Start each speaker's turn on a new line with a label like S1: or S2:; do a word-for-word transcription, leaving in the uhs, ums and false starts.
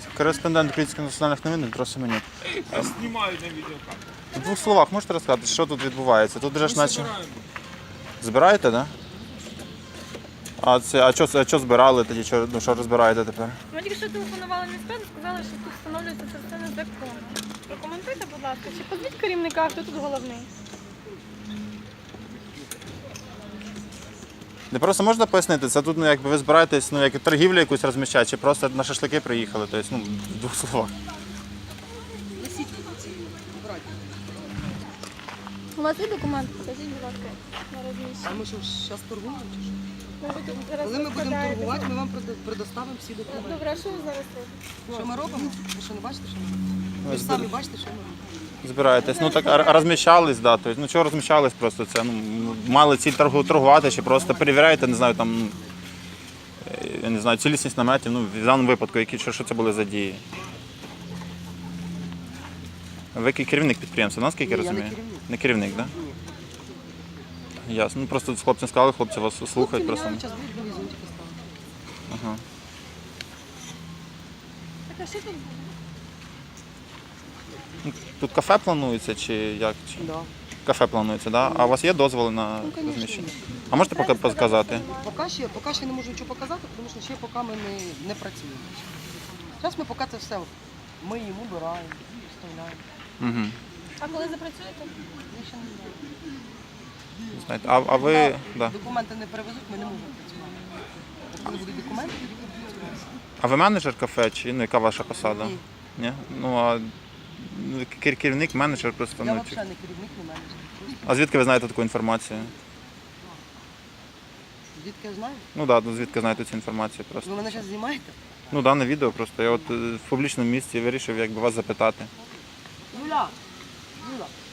S1: Кореспондент Українських національних новин Дмитро Семенюк.
S2: Знімаю на відеокамеру.
S1: В двох словах можете розказати, що тут відбувається? Тут же ж
S2: Ми
S1: наче...
S2: збираємо.
S1: Збираєте, так? Да? А, це, а, що, а що збирали тоді? Що, ну, що розбираєте тепер?
S3: Ми тільки що телефонували міськраду, сказали, що тут встановлюється частина закону. Прокоментуйте, будь ласка, чи позвіть керівника, хто тут головний?
S1: Не просто можна пояснити, це тут ну, якби ви збираєтесь, ну, як торгівлю якусь розміщати, чи просто на шашлики приїхали, тобто, ну, в двох словах.
S3: У вас є документ? Покажіть, будь ласка, на розміщення.
S4: А ми що, зараз торгуємо чи що?
S3: Ну, ви тут зараз
S4: Коли ми будемо
S3: розкладаєте.
S4: торгувати, ми вам предо- предоставимо всі документи.
S3: Добре, а що ви зараз робите?
S4: Що ми робимо? Ви що не бачите, що ми робимо? Ви ж самі бачите, що ми робимо.
S1: Збираєтесь. Ну так а розміщались, да. Тобто, ну чого розміщались просто це? Ну, мали ціль торгу- торгувати, чи просто перевіряєте, не знаю, там, е, я не знаю, цілісність наметів, ну, в даному випадку, які, що, що це були за дії? Ви ке- керівник підприємства, наскільки я
S4: Ні, я не
S1: розумію?
S4: керівник.
S1: Не керівник, так? Да? Ясно. Ну просто хлопцям сказали, хлопці вас слухають просто.
S4: Зараз будуть нові зонтики ставити.
S1: Ага.
S3: Так, а що тут буде?
S1: Ну, тут кафе планується чи як? Чи...
S4: Да.
S1: Кафе планується, так? Да? А у вас є дозволи на
S4: Ну, конечно,
S1: розміщення?
S4: є.
S1: А можете поки показати?
S4: Поки ще, поки ще не можу нічого показати, тому що ще поки ми не, не працюємо. Зараз ми поки це все миємо, убираємо, вставляємо.
S1: Угу.
S3: А коли запрацюєте?
S4: Я ще не знаю.
S1: Знаєте, а, а ви.
S4: Поки
S1: Да.
S4: документи не перевезуть, ми не можемо працювати. От коли будуть документи, тоді будемо працювати.
S1: А ви менеджер кафе чи ну, яка ваша посада?
S4: Ні.
S1: Ні? Ну а ну, кер- керівник, менеджер просто.
S4: Я
S1: Ну, чи-
S4: взагалі не керівник, не менеджер. Просто
S1: А звідки ви знаєте таку інформацію?
S4: звідки я знаю?
S1: Ну так, да, ну, звідки знаєте цю інформацію
S4: Ви
S1: просто.
S4: мене зараз знімаєте?
S1: Ну дане відео просто. Я от е, в публічному місці вирішив якби вас запитати.
S4: Юля! Юля!